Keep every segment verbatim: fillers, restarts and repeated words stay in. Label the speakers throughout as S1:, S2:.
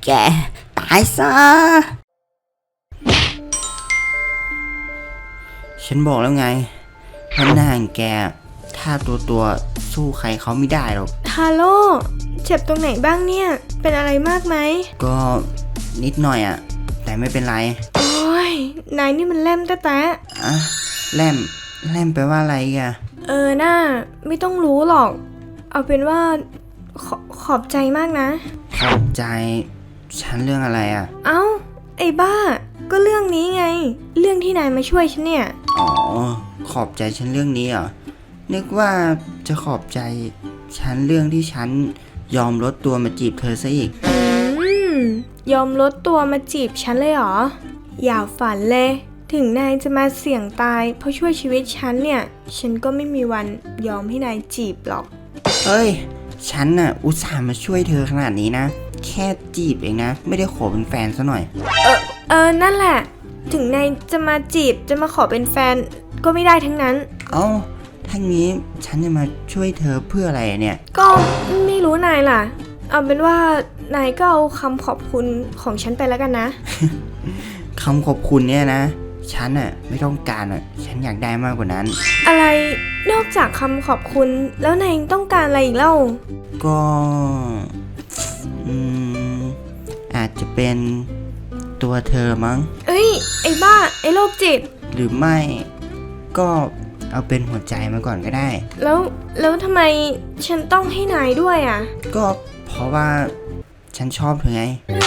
S1: แกตายซะฉันบอกแล้วไงว่าหน้าแกถ้าตัวตัวสู้ใครเขาไม่ได้หรอก
S2: ฮาโลเจ็บตรงไหนบ้างเนี่ยเป็นอะไรมากไหม
S1: ก็นิดหน่อยอะแต่ไม่เป็นไร
S2: โอ้ยนายนี่มันแล่มแต๊ะ
S1: อะแล่มแล่มแปลว่าอะไรอะ
S2: เออน่าไม่ต้องรู้หรอกเอาเป็นว่าขอขอบใจมากนะ
S1: ขอบใจฉันเรื่องอะไรอะ
S2: เอ้าไอ้บ้าก็เรื่องนี้ไงเรื่องที่นายมาช่วยฉันเนี่ย
S1: อ๋อขอบใจฉันเรื่องนี้เหรอนึกว่าจะขอบใจฉันเรื่องที่ฉันยอมลดตัวมาจีบเธอซะอีก
S2: อืมยอมลดตัวมาจีบฉันเลยเหรออย่าฝันเลยถึงนายจะมาเสี่ยงตายเพราะช่วยชีวิตฉันเนี่ยฉันก็ไม่มีวันยอมให้นายจีบหรอก
S1: เฮ้ยฉันน่ะอุตส่าห์มาช่วยเธอขนาดนี้นะแค่จีบเองนะไม่ได้ขอเป็นแฟนซะหน่อย
S2: เออเออนั่นแหละถึงนายจะมาจีบจะมาขอเป็นแฟนก็ไม่ได้ทั้งนั้น
S1: เอ้าทั้งนี้ฉันจะมาช่วยเธอเพื่ออะไรเนี่ย
S2: ก็ไม่รู้นายล่ะเอาเป็นว่านายก็เอาคำขอบคุณของฉันไปแล้วกันนะ
S1: คำขอบคุณเนี่ยนะฉันอ่ะไม่ต้องการอ่ะฉันอยากได้มากกว่านั้น
S2: อะไรนอกจากคำขอบคุณแล้วนายต้องการอะไรอีกเล่า
S1: ก็อืมอาจจะเป็นตัวเธอมั้ง
S2: เอ้ยไอ้บ้าไอ้โรคจิต
S1: หรือไม่ก็เอาเป็นหัวใจมาก่อนก็ได้
S2: แล้วแล้วทำไมฉันต้องให้นายด้วยอ่ะ
S1: ก็เพราะว่าฉันชอบเธอไง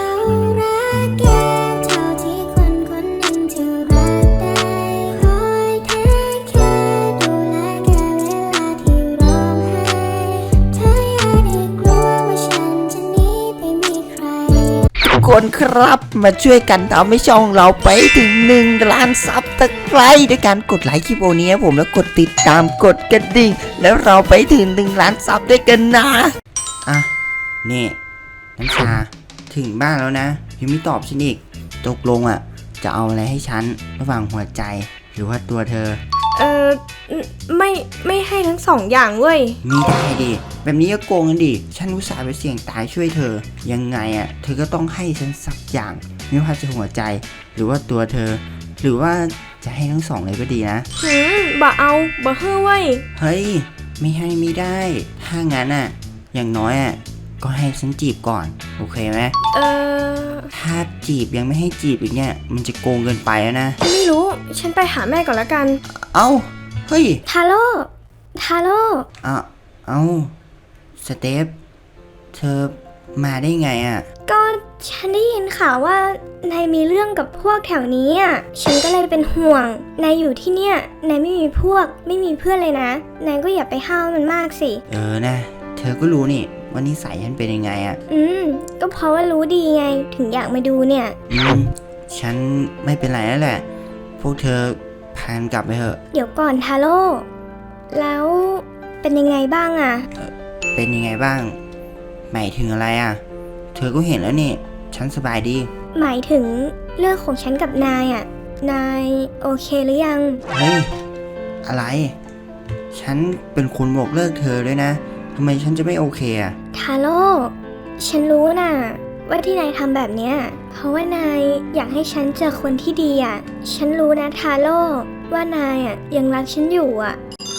S1: คนครับมาช่วยกันทำให้ช่องเราไปถึงหนึ่งล้านซับตะไคร้ด้วยการกดไลค์คลิปโอนี้ผมแล้วกดติดตามกดกระดิ่งแล้วเราไปถึงหนึ่งล้านซับด้วยกันนะอ่ะนี่น้ำชาถึงบ้านแล้วนะยังไม่ตอบฉันอีกตกลงอ่ะจะเอาอะไรให้ฉันระหว่างหัวใจหรือว่าตัวเธอ
S2: เออไม่ไม่ให้ทั้งสองอย่างเว้ย
S1: ไม่ได้ดิแบบนี้ก็โกงกันดิฉันอุตส่าห์ไปเสี่ยงตายช่วยเธอยังไงอ่ะเธอก็ต้องให้ฉันสักอย่างไม่ว่าจะหัวใจหรือว่าตัวเธอหรือว่าจะให้ทั้งสองเลยก็ดีนะ
S2: หืมบ่เอาบ่เฮ้อเว้ย
S1: เฮ้ยไม่ให้ไม่ได้ถ้างั้นอ่ะอย่างน้อยอ่ะก็ให้ฉันจีบก่อนโอเคไหม
S2: เออ
S1: ถ้าจีบยังไม่ให้จีบอีกเนี่ยมันจะโกงเกินไปแล้วนะ
S2: ไม่รู้ฉันไปหาแม่ก่อนละกัน
S1: เอ้าเฮ้ย
S2: ทาโร่ทาโร่
S1: อ่ะเอ้าสเตฟเธอมาได้ไงอ่ะ
S2: ก็ฉันได้ยินข่าวว่านายมีเรื่องกับพวกแถวนี้อ่ะฉันก็เลยเป็นห่วงนายอยู่ที่เนี่ยนายไม่มีพวกไม่มีเพื่อนเลยนะนายก็อย่าไปห้าวมันมากสิ
S1: เออนะเธอก็รู้นี่ว่านิสัยฉันเป็นยังไงอ่ะ
S2: อืมก็เพราะว่ารู้ดีไงถึงอยากมาดูเนี่ย
S1: อืมฉันไม่เป็นไรแล้วแหละพวกเธอพานกลับไปเถอะ
S2: เดี๋ยวก่อนทาโร่แล้วเป็นยังไงบ้างอ่ะ
S1: เป็นยังไงบ้างหมายถึงอะไรอ่ะเธอก็เห็นแล้วนี่ฉันสบายดี
S2: หมายถึงเรื่องของฉันกับนายอ่ะนายโอเคหรือยัง
S1: เฮ้ยอะไรฉันเป็นคนบอกเลิกเธอด้วยนะทำไมฉันจะไม่โอเคอ่ะ
S2: ทาโร่ฉันรู้น่ะว่าที่นายทำแบบเนี้ยเพราะว่านายอยากให้ฉันเจอคนที่ดีอ่ะฉันรู้นะทาโร่ว่านายอ่ะยังรักฉันอยู่อ่ะ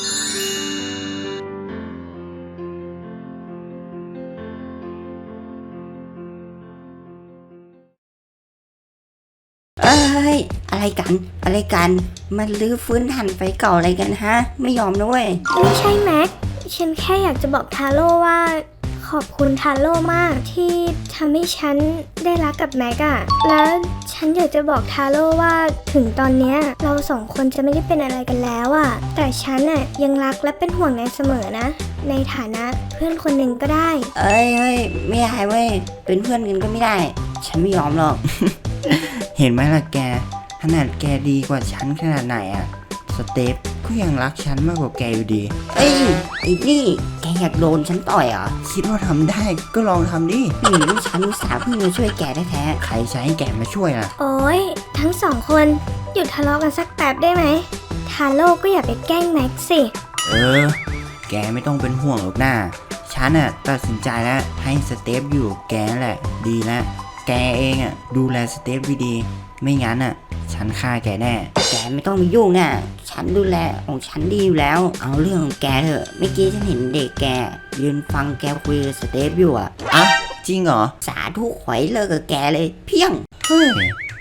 S1: เอ้ยอะไรกันอะไรกันมันลื้อฟื้นหันไฟเก่าอะไรกันฮะไม่ยอมนะเว้ย
S2: ไม่ใช่แม็กฉันแค่อยากจะบอกทาโร่ว่าขอบคุณทาโร่มากที่ทำให้ฉันได้รักกับแม็กอะแล้วฉันอยากจะบอกทาโร่ว่าถึงตอนเนี้ยเราสองคนจะไม่ได้เป็นอะไรกันแล้วอะแต่ฉันอะยังรักและเป็นห่วงนายเสมอนะในฐานะเพื่อนคนหนึ่งก็ได้
S1: เอ้ยเฮ้ยไม่ได้เว้ยเป็นเพื่อนกันก็ไม่ได้ฉันไม่ยอมหรอก เห็นไหมล่ะแกขนาดแกดีกว่าฉันขนาดไหนอะสเตฟก็ยังรักฉันมากกว่าแกอยู่ดีเอ้ยไอ้นี่แกอยากโดนฉันต่อยเหรอคิดว่าทำได้ก็ลองทำดิหืมฉันอุตส่าห์เพิ่งมาช่วยแกแท้ๆใครใช้ให้แกมาช่วยล่ะ
S2: โอ๊ยทั้งสองคนหยุดทะเลาะกันสักแป๊บได้ไหมทาโร่ก็อย่าไปแกล้งแม็กสิ
S1: เออแกไม่ต้องเป็นห่วงหรอกนะฉันอะตัดสินใจแล้วให้สเตฟอยู่แกแหละดีแล้วแกเองอ่ะดูแลสเตฟดีๆไม่งั้นอ่ะฉันฆ่าแกแน่
S3: แกไม่ต้องมายุ่งอ่ะฉันดูแลของฉันดีอยู่แล้ว เอาเรื่องของแกเถอะเมื่อกี้ฉันเห็นเด็กแกยืนฟังแกคุยกับสเตฟอยู่อ่ะ
S1: อ่ะจริงเหรอ
S3: สาธุขอยเลิกกับแกเลยเพียง
S1: เฮ้ย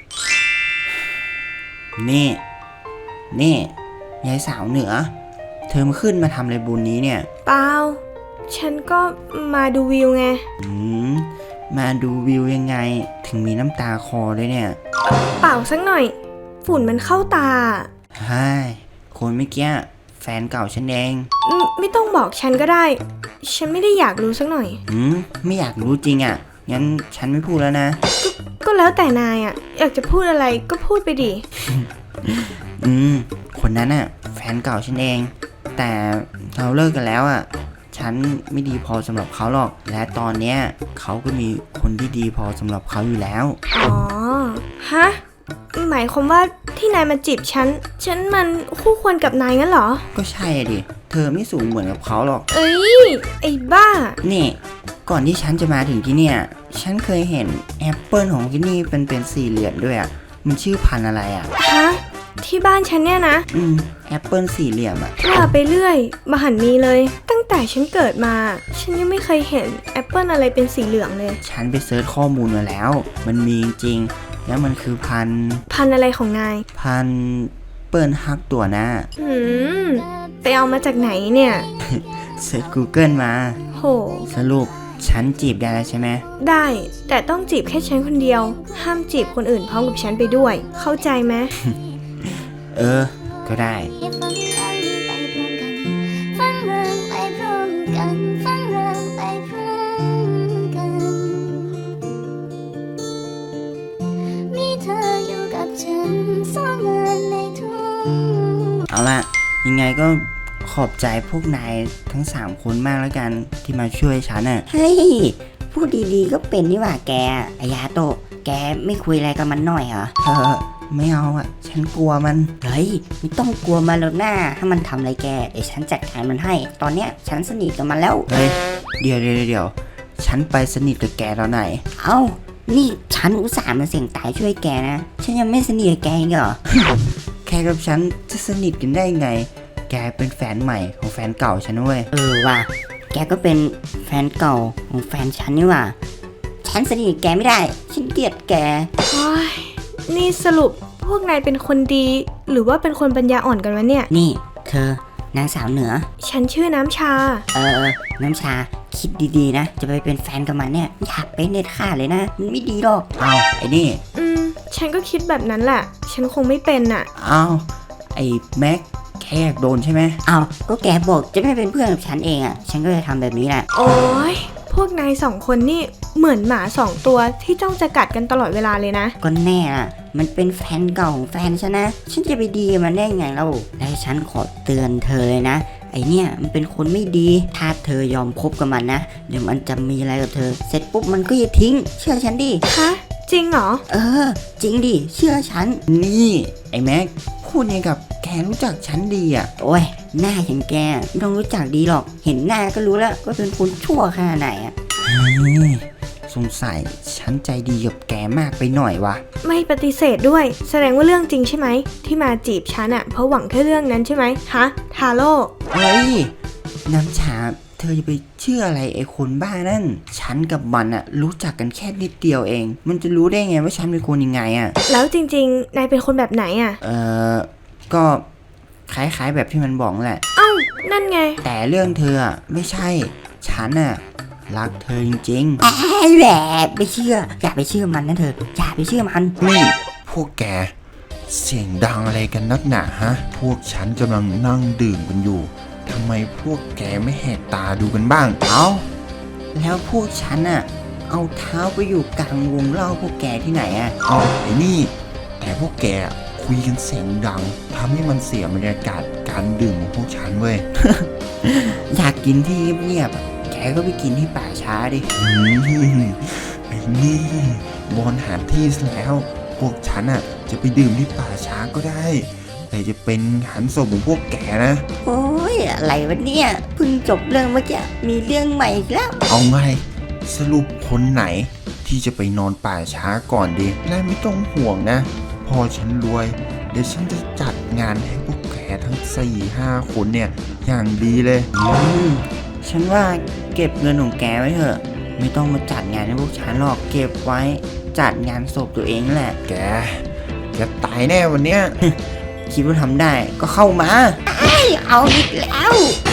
S1: นี่นี่ยายสาวเหนือ เธอมาขึ้นมาทำอะไรบุญนี้เนี่ย
S2: เปล่า ฉันก็มาดูวิวไง
S1: อืมมาดูวิวยังไงถึงมีน้ำตาคอเลยเนี่ย
S2: เปล่าสักหน่อย ฝุ่นมันเข้าตา
S1: ใช่คนเมื่อกี้แฟนเก่าฉันเอง
S2: ไม่ไม่ต้องบอกฉันก็ได้ ฉันไม่ได้อยากรู้สักหน่อย
S1: อืมไม่อยากรู้จริงอ่ะ งั้นฉันไม่พูดแล้วนะ
S2: ก็แล้วแต่นายอ่ะ อยากจะพูดอะไรก็พูดไปดิ
S1: อืม คนนั้นอ่ะ แฟนเก่าฉันเอง แต่เราเลิกกันแล้วอ่ะ ฉันไม่ดีพอสำหรับเขาหรอก และตอนเนี้ยเขาก็มีคนที่ดีพอสำหรับเขาอยู่แล้ว
S2: อ๋อ ฮะ หมายความว่าที่นายมาจีบฉัน ฉันมันคู่ควรกับนายงั้นเหรอ
S1: ก็ใช่อะดิ เธอไม่สูงเหมือนกับเขาหรอก
S2: เอ้ย ไอ้บ้า
S1: นี่ ก่อนที่ฉันจะมาถึงที่เนี่ย ฉันเคยเห็นแอปเปิลของที่นี่เป็นเป็นสี่เหลี่ยมด้วยอ่ะ มันชื่อพันธุ์อะไรอ่ะ
S2: ฮะ ที่บ้านฉันเนี่ยนะ
S1: อืม แอปเปิลสี่เหลี่ยมอ่ะ
S2: ว่าไปเรื่อยมหันต์มีเลย ตั้งแต่ฉันเกิดมา ฉันยังไม่เคยเห็นแอปเปิลอะไรเป็นสีเหลืองเลย
S1: ฉันไปเซิร์ชข้อมูลมาแล้ว มันมีจริงๆแล้วมันคือพันธุ์
S2: พันธุ์อะไรของนาย
S1: พันธุ์เปิ้ลฮักตัวหน้า
S2: หืม ไปเอามาจากไหนเนี่ย
S1: เซิร์ช Google มา
S2: โห
S1: สรุปฉันจีบได้แล้วใช่ไหม
S2: ได้ แต่ต้องจีบแค่ฉันคนเดียว ห้ามจีบคนอื่นพร้อมกับฉันไปด้วย เข้าใจไหม
S1: เออ ก็ได้
S4: ฟังเรื่องไปพร้อมกันฟังเรื่องไปพร้อมกัน มีเธออยู่กับฉันสองเงินในทุก
S1: เอาล่ะ ยังไงก็ขอบใจพวกนายทั้งสามคนมากแล้วกันที่มาช่วยฉันอ่ะ
S3: เฮ้ยพูดดีๆก็เป็นนี่หว่าแกอายาโตะแกไม่คุยอะไรกับมันหน่อยเหรอ
S1: เออ ไม่เอาอ่ะ ฉันกลัวมัน
S3: เฮ้ยไม่ต้องกลัวมันแล้วหน้าถ้ามันทำอะไรแกเดี๋ยวฉันจัดการมันให้ ตอนเนี้ยฉันสนิทกับมันแล้ว
S1: เฮ้ย เดี๋ยวเดี๋ยวเดี๋ยวฉันไปสนิทกับแกตอนไหน
S3: เอ้านี่ฉันอุตส่าห์มาเสี่ยงตายช่วยแกนะฉันยังไม่สนิทกับแกอีกเหรอ
S1: แค่กับฉันจะสนิทกันได้ไง แกเป็นแฟนใหม่ของแฟนเก่าฉันเว้ย
S3: เออว่ะแกก็เป็นแฟนเก่าของแฟนฉันนี่ว่ะฉันสนิทกับแกไม่ได้ฉันเกลียดแก
S2: โอ้ยนี่สรุปพวกนายเป็นคนดี หรือว่าเป็นคนปัญญาอ่อนกันวะเนี่ย
S3: นี่เธอนางสาวเหนือ
S2: ฉันชื่อน้ำชา
S3: เออน้ำชาคิดดีๆนะ จะไปเป็นแฟนกับมันเนี่ยอยากเป็นเด็ดขาดเลยนะมันไม่ดีหรอก
S1: เอาไอ้นี่
S2: อืม ฉันก็คิดแบบนั้นแหละ ฉันคงไม่เป็นน่ะ
S1: เอาไอ้แม็กแค่อยากโดนใช่ไหม
S3: เอาก็แกบอกจะไม่เป็นเพื่อนกับฉันเองอ่ะฉันก็จะทำแบบนี้แหละ
S2: โอ้ยพวกนายสองคนนี่เหมือนหมาสองตัวที่จ้องจะกัดกันตลอดเวลาเลยนะ
S3: ก็แน่อ่ะมันเป็นแฟนเก่าของแฟนฉันนะฉันจะไปดีกับมันได้ไงเล่าและฉันขอเตือนเธอเลยนะไอเนี่ยมันเป็นคนไม่ดีถ้าเธอยอมคบกับมันนะเดี๋ยวมันจะมีอะไรกับเธอ เสร็จปุ๊บมันก็จะทิ้ง เชื่อฉันดิ
S2: ฮะ จริงเหรอ
S3: เออ จริงดิเชื่อฉัน
S1: นี่ไอ้แม็กพูดยังกับแกรู้จักฉันดีอ่ะ
S3: โอ้ยหน้าอย่างแกไม่ต้องรู้จักดีหรอก เห็นหน้าก็รู้แล้วว่าเป็นคนชั่วขนาดไหนอ่ะ
S1: เฮ้ยสงสัยฉันใจดีกับแกมากไปหน่อยวะ
S2: ไม่ปฏิเสธด้วย แสดงว่าเรื่องจริงใช่ไหม ที่มาจีบฉันอะเพราะหวังแค่เรื่องนั้นใช่ไหมฮะ ทาโร่
S1: เฮ้ย น้ำชา เธอจะไปเชื่ออะไรไอ้คนบ้านั่น ฉันกับมันอะรู้จักกันแค่นิดเดียวเอง มันจะรู้ได้ไงว่าฉันเป็นคนยังไงอะ
S2: แล้วจริงๆ นายเป็นคนแบบไหนอะ
S1: เออก็คล้ายๆแบบที่มันบอกแหละ
S2: เอ้า นั่นไง
S1: แต่เรื่องเธออะไม่ใช่ ฉันอะรักเธอจริง
S3: ไอ้แหละไม่เชื่อ อย่าไปเชื่อมันนะเธอ อย่าไปเชื่อมัน
S5: นี่พวกแกเสียงดังอะไรกันนักหนาฮะ พวกฉันกำลังนั่งดื่มกันอยู่ทำไมพวกแกไม่แหกตาดูกันบ้าง
S1: ๆ เอาแล้วพวกฉันอะเอาเท้าไปอยู่กลางวงเล่าพวกแกที่ไหนอะ
S5: เอาไอ้นี่ แต่พวกแกคุยกันเสียงดังทำให้มันเสียบรรยากาศการดื่มของพวกฉันเว้ย
S1: อยากกินที่เงียบๆอะแกก็ไปกินที่ป่าช้าดิ
S5: อืมไอ้นี่บอลหาที่ซะแล้ว พวกฉันอ่ะจะไปดื่มที่ป่าช้าก็ได้ แต่จะเป็นหันศพของพวกแกนะ
S3: โอ้ยอะไรวะเนี่ยเพิ่งจบเรื่องเมื่อกี้มีเรื่องใหม่อีกแล้ว
S5: เอาไงสรุปคนไหนที่จะไปนอนป่าช้าก่อนดีและไม่ต้องห่วงนะพอฉันรวยเดี๋ยวฉันจะจัดงานให้พวกแกทั้งสี่ห้าคนเนี่ยอย่างดีเลย
S3: อืมฉันว่าเก็บเงินของแกไว้เถอะ ไม่ต้องมาจัดงานให้พวกฉันหรอกเก็บไว้จัดงานศพตัวเองแหละ
S5: แกแกตายแน่วันเนี้ย
S3: คิดว่าทำได้ก็เข้ามา
S1: เอาอีกแล้ว